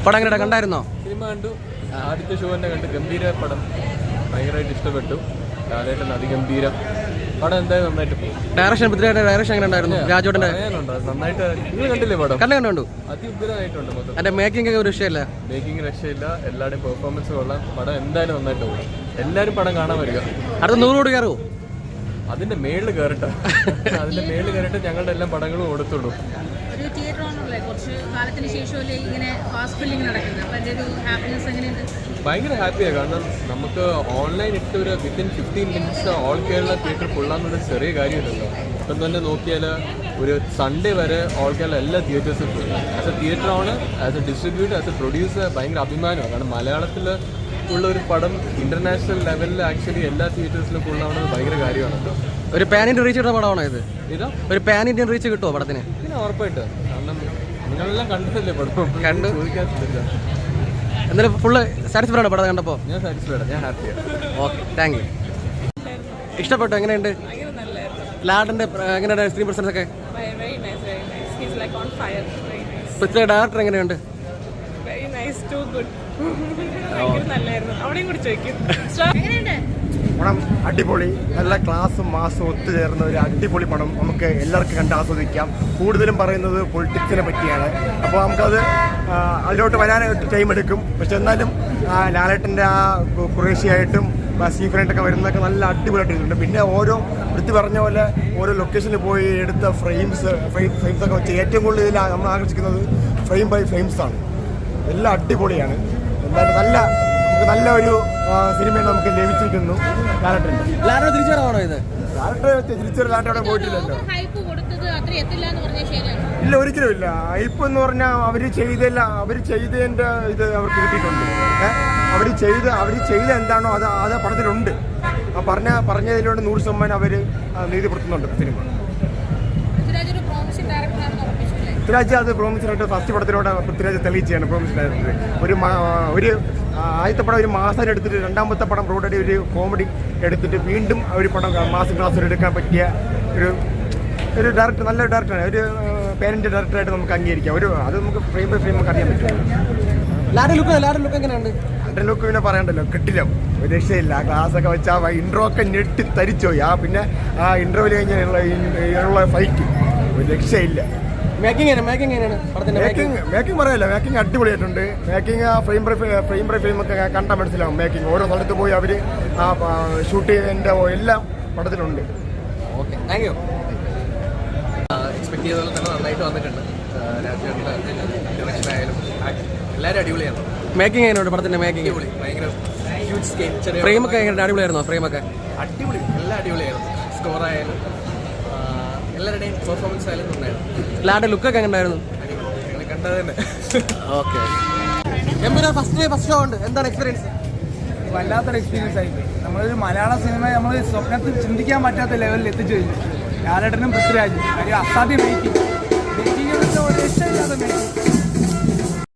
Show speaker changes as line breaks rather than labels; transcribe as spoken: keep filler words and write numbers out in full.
പടം എങ്ങനെ കണ്ടായിരുന്നോ?
സിനിമ കണ്ടു. ആദ്യത്തെ ഷോ തന്നെ കണ്ട്. ഗംഭീര പടം, ഭയങ്കരമായിട്ട് ഇഷ്ടപ്പെട്ടു. ലാലേട്ടൻ അതിഗംഭീരം പടം, എന്തായാലും നന്നായിട്ട് പോകും.
ഡയറക്ഷൻ പൃഥ്വിരാജിന്റെ ഡയറക്ഷൻ എങ്ങനെ ഉണ്ടായിരുന്നു? രാജോട്ടന്റെ
നന്നായിട്ട്. നിങ്ങൾ കണ്ടില്ലേ പടം?
കണ്ടു കണ്ടു
അതിഉഗ്രമായിട്ടുണ്ട്. മൊത്തം
അതിന്റെ മേക്കിംഗ് ഒക്കെ ഒരു രക്ഷയില്ല.
മേക്കിംഗ് രക്ഷയില്ല. എല്ലാവരുടെയും പെർഫോമൻസ് കൊള്ളാം. പടം എന്തായാലും നന്നായിട്ട് പോകും. എല്ലാവരും പടം കാണാൻ വരിക.
അടുത്ത നൂറ് കോടി കയറുമോ?
അതിന്റെ മേളിൽ കയറട്ടെ. അതിന്റെ മേളിൽ കയറിട്ട് ഞങ്ങളുടെ എല്ലാ പടങ്ങളും കൊടുത്തുള്ളൂ.
ഒരു തിയേറ്റർ ഓണറല്ലേ, കുറച്ച് കാലത്തിന് ശേഷമല്ലേ ഇങ്ങനെ ഫാസ്റ്റ് ഫില്ലിംഗ് നടക്കുന്നത്. അപ്പം അതിൻ്റെ ഒരു ഹാപ്പിനെസ് എങ്ങനെയുണ്ട്?
ഭയങ്കര ഹാപ്പിയാണ്. കാരണം നമുക്ക് ഓൺലൈൻ ഇട്ട് ഒരു within fifteen minutes all Kerala theatre ഫുള്ളാന്നൊരു ചെറിയ കാര്യമില്ലല്ലോ. ഇപ്പം തന്നെ നോക്കിയാൽ ഒരു സൺഡേ വരെ ഓൾ കേരള എല്ലാ തിയേറ്റേഴ്സും ഫുൾ. As a theatre owner, as a distributor, as a producer ഭയങ്കര അഭിമാനമാണ്. കാരണം മലയാളത്തിൽ ഉള്ള ഒരു പടം ഇന്റർനാഷണൽ ലെവലിൽ ആക്ച്വലി എല്ലാ തിയേറ്റേഴ്സിലും ഫുള്ളാവുന്നത് ഭയങ്കര കാര്യമാണല്ലോ.
ഒരു പാൻ ഇന്ത്യൻ റീച്ച് കിട്ടുന്ന പടമാണോ ഇത്?
ഇതാ
ഒരു പാൻ ഇന്ത്യൻ റീച്ച് കിട്ടുമോ പടത്തിന്?
പിന്നെ ഉറപ്പായിട്ട്. കാരണം നിങ്ങളെല്ലാം കണ്ടിട്ടല്ലേ പടം?
കണ്ടു.
ചോദിക്കാത്തില്ല.
എന്നാലും ഫുള്ള് സാറ്റിസ്ഫൈഡ് ആണ് പടം കണ്ടപ്പോൾ?
ഞാൻ സാറ്റിസ്ഫൈഡ്, ഞാൻ ഹാപ്പിയാണ്.
Okay, thank you. ഇഷ്ടപ്പെട്ടു? എങ്ങനെയുണ്ട് ലാഡിന്റെ എങ്ങനെയുണ്ട് സ്ക്രീൻ പ്രസൻസ് ഒക്കെ? പൃഥ്വി ഡയറക്ടർ എങ്ങനെയുണ്ട്?
പടം അടിപൊളി, നല്ല ക്ലാസ്സും മാസും ഒത്തുചേർന്ന ഒരു അടിപൊളി പടം. നമുക്ക് എല്ലാവർക്കും കണ്ട് ആസ്വദിക്കാം. കൂടുതലും പറയുന്നത് പൊളിറ്റിക്സിനെ പറ്റിയാണ്. അപ്പോൾ നമുക്കത് അതിലോട്ട് വരാനായിട്ട് ടൈം എടുക്കും. പക്ഷെ എന്നാലും ലാലേട്ടൻ്റെ ആ കുറേശ്ശിയായിട്ടും സ്റ്റീഫനായിട്ടൊക്കെ വരുന്നതൊക്കെ നല്ല അടിപൊളിയായിട്ടുണ്ട്. പിന്നെ ഓരോ വൃത്തി പറഞ്ഞ പോലെ ഓരോ ലൊക്കേഷനിൽ പോയി എടുത്ത ഫ്രെയിംസ് ഫ്രെയിം ഫ്രെയിംസൊക്കെ വെച്ച് ഏറ്റവും കൂടുതൽ ഇതിൽ നമ്മൾ ആകർഷിക്കുന്നത് ഫ്രെയിം ബൈ ഫ്രെയിംസാണ്. എല്ലാം അടിപൊളിയാണ്. എന്തായാലും നല്ല നല്ല ഒരു സിനിമ നമുക്ക് ലഭിച്ചിരിക്കുന്നു. ലാലേട്ടൻ്റെ
ലാലേട്ടൻ തിരിച്ചു വരാണോ ഇത്?
ലാലേട്ടൻ തിരിച്ചു ലാലേട്ടൻ അവിടെ പോയിട്ടില്ലല്ലോ. ഇല്ല, ഒരിക്കലും ഇല്ല. ഹൈപ്പ് എന്ന് പറഞ്ഞാൽ അവർ ചെയ്തല്ല, അവർ ചെയ്തതിൻ്റെ ഇത് അവർക്ക് കിട്ടിയിട്ടുണ്ട്. അവർ ചെയ്ത് അവർ ചെയ്ത എന്താണോ അത് അത് പടത്തിലുണ്ട്. ആ പറഞ്ഞ പറഞ്ഞതിലൂടെ നൂറ് ശതമാനം അവർ നീതിപ്പെടുത്തുന്നുണ്ട് സിനിമ. പൃഥ്വിരാജ് അത് പ്രോമിസിനായിട്ട് ഫസ്റ്റ് പടത്തിലൂടെ പൃഥ്വിരാജ് തെളിയിച്ചാണ് പ്രോമിസിനായിട്ട്. ഒരു ഒരു ആദ്യത്തെ പടം ഒരു മാസം എടുത്തിട്ട് രണ്ടാമത്തെ പടം റോഡടി ഒരു കോമഡി എടുത്തിട്ട് വീണ്ടും ഒരു പടം മാസം ക്ലാസ് എടുക്കാൻ പറ്റിയ ഒരു ഒരു ഡയറക്ടർ, നല്ല ഡയറക്ടറാണ്. ഒരു പേരന്റ് ഡയറക്ടറായിട്ട് നമുക്ക് അംഗീകരിക്കാം. ഒരു അത് നമുക്ക് ഫ്രെയിം ബൈ ഫ്രെയിം നമുക്ക് അറിയാൻ പറ്റും.
ലാഡൻ ലുക്ക് ലാഡൻ ലുക്ക് എങ്ങനെയുണ്ട്?
ലാഡൻ ലുക്ക് പിന്നെ പറയണ്ടല്ലോ, കിട്ടില്ല, ഒരു രക്ഷയില്ല. ആ ക്ലാസ്സൊക്കെ വെച്ചാൽ ആ ഇൻട്രോ ഒക്കെ ഞെട്ടി തരിച്ചോയി. ആ പിന്നെ ആ ഇൻട്രോയിൽ കഴിഞ്ഞുള്ള ഫൈറ്റ് ഒരു രക്ഷയില്ല.
മേക്കിംഗ് മേക്കിംഗ്
മേക്കിംഗ് മേക്കിംഗ് പറയല്ല, മേക്കിംഗ് അടിപൊളിയായിട്ടുണ്ട്. മേക്കിംഗ് ആ frame by frame by frame ഒക്കെ കണ്ടാൽ മനസ്സിലാവും. മേക്കിംഗ് ഓരോ സ്ഥലത്ത് പോയി അവർ ആ ഷൂട്ട് ചെയ്തതിൻ്റെ എല്ലാം പടത്തിലുണ്ട്.
Okay, thank you.
എക്സ്പെക്ട് ചെയ്ത പോലെ തന്നെ നന്നായിട്ട് വന്നിട്ടുണ്ട്. രാജേട്ടൻ്റെ ഡയറക്ഷനായാലും എല്ലാവരും അടിപൊളിയാണ്.
മേക്കിംഗ് എങ്ങനെയുണ്ട് പടത്തിന്റെ? മേക്കിംഗ്
ഭയങ്കര ഹ്യൂജ് സ്കെയിൽ. ചെറിയ
ഫ്രെയിം ഒക്കെ എങ്ങനെ അടിപൊളിയായിരുന്നോ? ഫ്രെയിം ഒക്കെ
അടിപൊളി, എല്ലാം അടിപൊളിയായിരുന്നു. സ്കോറായാലും എല്ലാവരുടെയും പെർഫോമൻസ് ആയാലും നന്നായിരുന്നു.
ലാഡൻ ലുക്കൊക്കെ എങ്ങനെയായിരുന്നു?
നിങ്ങൾ കണ്ടത് തന്നെ.
Okay, Empuraan first day first show ഉണ്ട്. എന്താണ് എക്സ്പീരിയൻസ്?
വല്ലാത്തൊരു എക്സ്പീരിയൻസ് ആയി. നമ്മളൊരു മലയാള സിനിമ നമ്മൾ സ്വപ്നത്തിൽ ചിന്തിക്കാൻ പറ്റാത്ത ലെവലിൽ എത്തിച്ചു കഴിഞ്ഞു. ലാലേട്ടനും പൃഥ്വിരാജും ഒരു അസാധ്യ മേക്കിംഗ് മേക്കിംഗ് ഒരു രക്ഷയില്ലാതെ മേക്കിംഗ്.